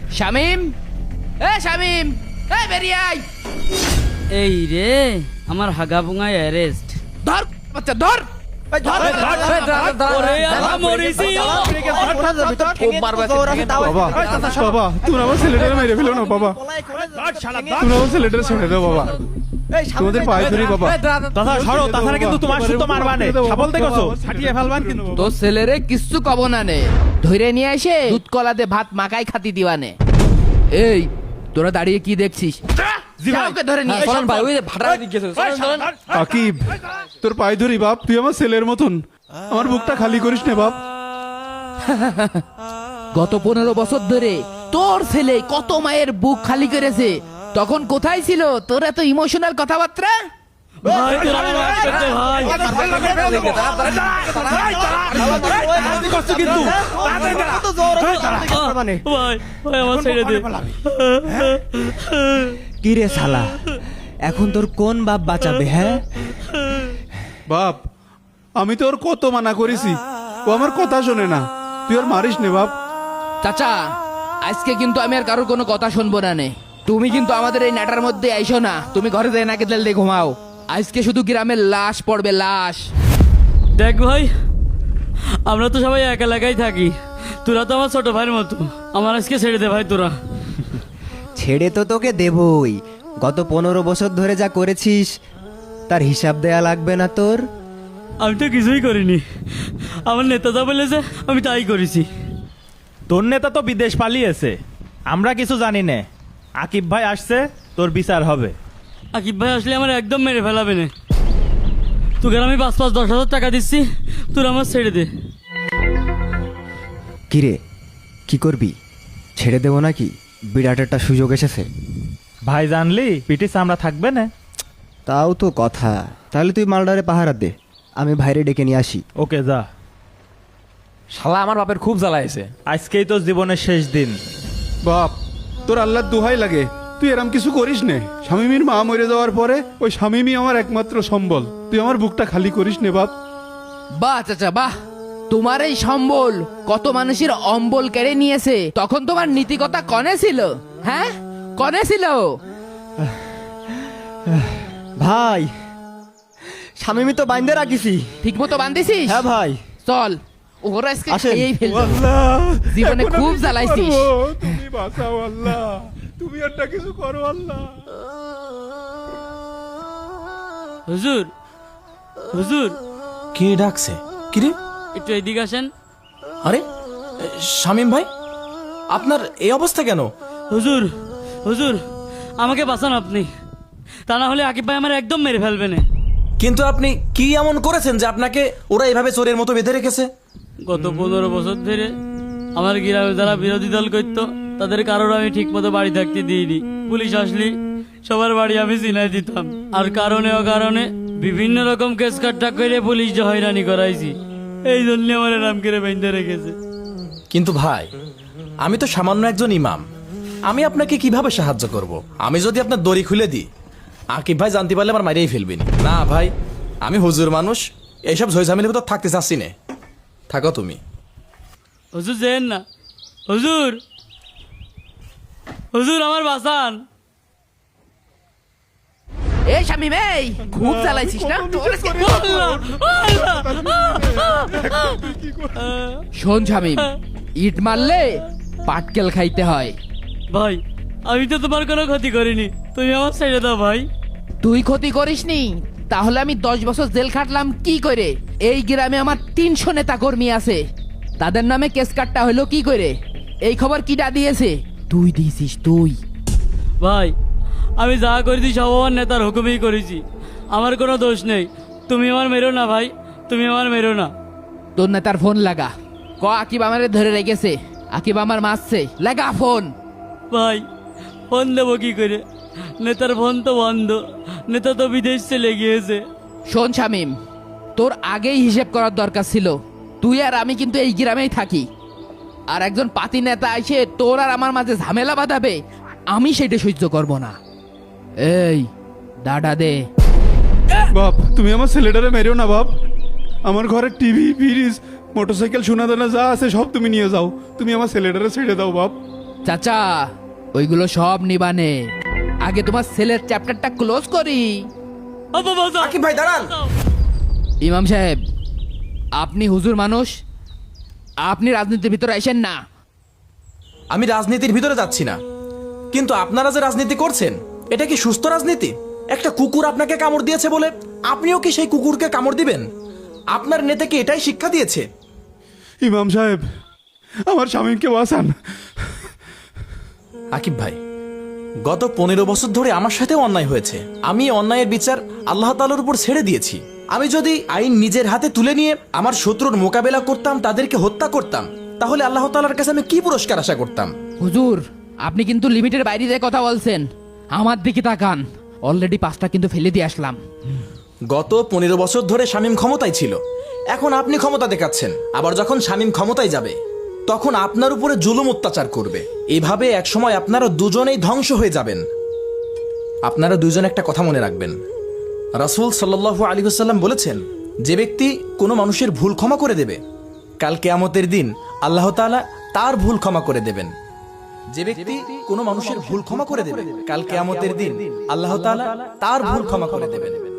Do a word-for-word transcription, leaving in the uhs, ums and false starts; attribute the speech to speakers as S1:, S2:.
S1: শামিম, এ শামিম, এ বেরিয়ে আয়।
S2: এই রে আমার হাগা বুঙায় অ্যারেস্ট।
S1: ধর বাচ্চা ধর।
S3: বাবা তুমি আমার ছেলেটারে মেরে ফেলো না বাবা, তুমি আমার ছেলেটারে ছেড়ে দাও বাবা, তোমাদের পায়ে ধরি বাবা।
S4: দাদা সরো, তাছাড়া কিন্তু তোমার শুদ্ধ মারবানে সাবল দেখছো ছাটিয়ে ফেলবান কিন্তু।
S1: তোর ছেলেরে কিচ্ছু কব না নে, ধরে নিয়ে এসে দুধ কলাতে ভাত মাখাই খাতি দিবানে। এই তোরা দাঁড়িয়ে কি দেখছিস? যাওকে ধরে নিয়ে এসো।
S3: আকিব তোর পায়ে ধরি বাপ, তুই আমার ছেলের মতন, আমার বুকটা খালি করিস না বাপ।
S1: গত পনেরো বছর ধরে তোর ছেলে কত মায়ের বুক খালি করেছে, তখন কোথায় ছিল তোর এত ইমোশনাল কথাবার্তা?
S5: কি রে শালা, এখন তোর কোন বাপ বাঁচাবে? হ্যাঁ
S3: বাপ আমি তোর কত মানা করেছি, ও আমার কথা শোনে না, তুই আর মারিস নে বাপ।
S1: চাচা আজকে কিন্তু আমি আর কারোর কোনো কথা শুনবো না নে। তুমি কিন্তু আমাদের এই নাটার মধ্যে আইসো না, তুমি ঘরে যাই নাকি তেল দিয়ে ঘুমাও। আজকে শুধু গ্রামের লাশ পড়বে, লাশ।
S2: দেখ ভাই, আমরা তো সবাই এক এলাকায় থাকি, তোরা তো আমার ছোট ভাইয়ের মতো, আমার আজকে ছেড়ে দে ভাই তোরা।
S5: ছেড়ে তো তোকে দেবই, গত পনেরো বছর ধরে যা করেছিস তার হিসাব দেয়া লাগবে না তোর?
S2: আমি তো কিছুই করিনি, আমার নেতা যা বলেছে আমি তাই করেছি।
S4: তোর নেতা তো বিদেশ পালিয়েছে, আমরা কিছু জানি না। আকিব ভাই আসছে, তোর বিচার হবে।
S2: আকিব ভাই আসলে আমার একদম মেরে ফেলাবে না। তোকে আমি পাঁচ পাঁচ দশ হাজার টাকা দিচ্ছি, তোরা আমার ছেড়ে দে।
S5: কিরে কি করবি? ছেড়ে দেবো নাকি? বিরাট একটা সুযোগ এসেছে।
S4: ভাই জানলি পিটি চামড়া থাকবে না।
S5: তাও তো কথা, তাহলে তুই মালডারে পাহারা দে, আমি ভাইরে ডেকে নিয়ে আসি।
S4: ওকে যা।
S6: শালা আমার বাপের খুব জ্বালাইছে।
S4: আজকেই তো জীবনের শেষ দিন।
S3: বাপ তোর আল্লাহর দোহাই লাগে, তুই এরম কিছু করিস নে। শামিমীর মা মরে যাওয়ার পরে ওই শামিমী আমার একমাত্র সম্বল, তুই আমার বুকটা খালি করিস নে বাপ।
S1: বাহ চাচা বাহ, তোমার এই সম্বল কত মানুষের অম্বল কেড়ে নিয়েছে, তখন তোমার নীতিকতা কনে ছিল? হ্যাঁ কনে ছিল?
S5: ভাই স্বামী তো বাইন্দে রাখিছি।
S1: ঠিক মতো বান্ধিছিস?
S5: হ্যাঁ ভাই।
S1: চল ওরা আজকে
S5: আসেন।
S1: খেয়েই ফেলবে।
S3: আল্লাহ
S1: জীবনে
S3: এখন আমি
S1: খুব
S3: কি
S1: জ্বালাইছিস।
S3: করবো? তুমি বাঁচাও আল্লাহ, তুমি একটা কিছু করো আল্লাহ।
S2: হুজুর, হুজুর
S6: কে ডাকছে? কিরে?
S2: একটু এদিকে আসেন।
S6: আরে শামিম ভাই, আপনার এই অবস্থা কেন?
S2: হুজুর, হুজুর আমাকে বাঁচান আপনি, তা না হলে আকিব ভাই আমার একদম মেরে ফেলবে না।
S6: কিন্তু আপনি কি এমন করেছেন যে আপনাকে ওরা এভাবে চোরের মতো বেঁধে রেখেছে?
S2: গত পনেরো বছর ধরে আমার গ্রামে যারা বিরোধী দল করতো তাদের কারোর আমি ঠিক মতো বাড়ি থাকতে দিইনি। পুলিশ আসলি সবার বাড়ি আমি চিনাই দিতাম, আর কারণে অকারণে বিভিন্ন রকম কেস কাট্টা করে পুলিশ যে হয়রানি করাইছি, এই জন্য আমার নাম করে বেঁধে রেখেছে।
S6: কিন্তু ভাই, আমি তো সামান্য একজন ইমাম, আমি আপনাকে কিভাবে সাহায্য করব? আমি যদি আপনার দড়ি খুলে দিই, আকিব ভাই জানতে পারলে আমার মাইরেই ফেলবেন। না ভাই, আমি হুজুর মানুষ, এইসব ঝইঝামেলির ভিতর থাকতে চাচ্ছি না। থাকো তুমি।
S2: হুজুর যেন না, হুজুর, হুজুর আমার বাঁচান।
S1: এই শামিম, এই খুব জ্বালাইছিস না? তোর আজকে- শোন শামিম, ইট মারলে পাটকেল খাইতে হয়।
S2: ভাই আমি তো তোমার কোনো ক্ষতি করিনি, তুমি আমার ছেড়ে দাও ভাই।
S1: তুই ক্ষতি করিসনি, তাহলে আমি দশ বছর জেল খাটলাম কি করে? এই গ্রামে আমার তিনশো নেতা কর্মী আছে, তাদের নামে কেস কাটটা হলো কি করে? এই খবর কিডা দিয়েছে? তুই দিয়েছিস তুই।
S2: ভাই আমি যা করেছি সব আমার নেতার হুকুমেই করেছি, আমার কোনো দোষ নেই। তুমি আমার মেরো না ভাই, তুমি আমার মেরো না।
S1: তোর নেতার ফোন লাগা, ক আকিব আমারে ধরে রেখেছে, আকিব আমার মারছে, লাগা ফোন।
S2: ভাই ফোন দেবো কি করে? নেতার ফোন তো বন্ধ, নেতা তো বিদেশ চলে গিয়েছে।
S1: শোন শামিম, তোর আগেই হিসেব করার দরকার ছিল। তুই আর আমি কিন্তু এই গ্রামেই থাকি, আর একজন পাতি নেতা এসে তোর আর আমার মাঝে ঝামেলা বাঁধাবে, আমি সেটা সহ্য করব না। এই দাদা দে।
S3: বাপ তুমি আমার ছেলেটারে মেরেও না বাপ, আমার ঘরে টিভি ফ্রিজ মোটরসাইকেল সোনা দানা যা আছে সব তুমি নিয়ে যাও, তুমি আমার ছেলেটারে ছেড়ে দাও বাপ।
S1: চাচা ওইগুলো সব নিবানে, আগে তোমার ছেলের চ্যাপ্টারটা ক্লোজ করি।
S2: আব্বা বাঁচাও।
S6: আকিব ভাই দাঁড়ান।
S1: ইমাম সাহেব, আপনি হুজুর মানুষ, আপনি রাজনীতির ভিতরে আসেন না।
S6: আমি রাজনীতির ভিতরে যাচ্ছি না, কিন্তু আপনারা যে রাজনীতি করছেন এটা কি সুস্থ রাজনীতি? একটা কুকুর আপনাকে কামড় দিয়েছে বলে আপনিও কি সেই কুকুরকে কামড় দিবেন? আপনার নেতাকে এটাই শিক্ষা দিয়েছে?
S3: ইমাম সাহেব, আমার স্বামীকে বাঁচান।
S6: আকিব ভাই, গত পনেরো বছর ধরে আমার সাথেও অন্যায় হয়েছে। আমি এই অন্যায়ের বিচার আল্লাহ তাআলার উপর ছেড়ে দিয়েছি। আমি যদি আইন নিজের হাতে তুলে নিয়ে আমার শত্রুর মোকাবেলা করতাম, তাদেরকে হত্যা করতাম, তাহলে আল্লাহ তাআলার কাছে আমি কি পুরস্কার আশা করতাম?
S1: হুজুর, আপনি কিন্তু লিমিটের বাইরে দিয়ে কথা বলছেন। আমার দিকে তাকান, অলরেডি পাঁচটা কিন্তু ফেলে দিয়ে আসলাম।
S6: গত পনেরো বছর ধরে শামীম ক্ষমতায় ছিল, এখন আপনি ক্ষমতা দেখাচ্ছেন। আবার যখন শামীম ক্ষমতায় যাবে তখন আপনার উপরে জুলুম অত্যাচার করবে। এইভাবে একসময় আপনারা দুজনেই ধ্বংস হয়ে যাবেন। আপনারা দুজন একটা কথা মনে রাখবেন, রাসূল সাল্লাল্লাহু আলাইহি ওয়াসাল্লাম বলেছেন, যে ব্যক্তি কোনো মানুষের ভুল ক্ষমা করে দেবে, কাল কিয়ামতের দিন আল্লাহ তাআলা তার ভুল ক্ষমা করে দেবেন। যে ব্যক্তি কোনো মানুষের ভুল ক্ষমা করে দেবে, কাল কিয়ামতের দিন আল্লাহ তাআলা তার ভুল ক্ষমা করে দেবেন।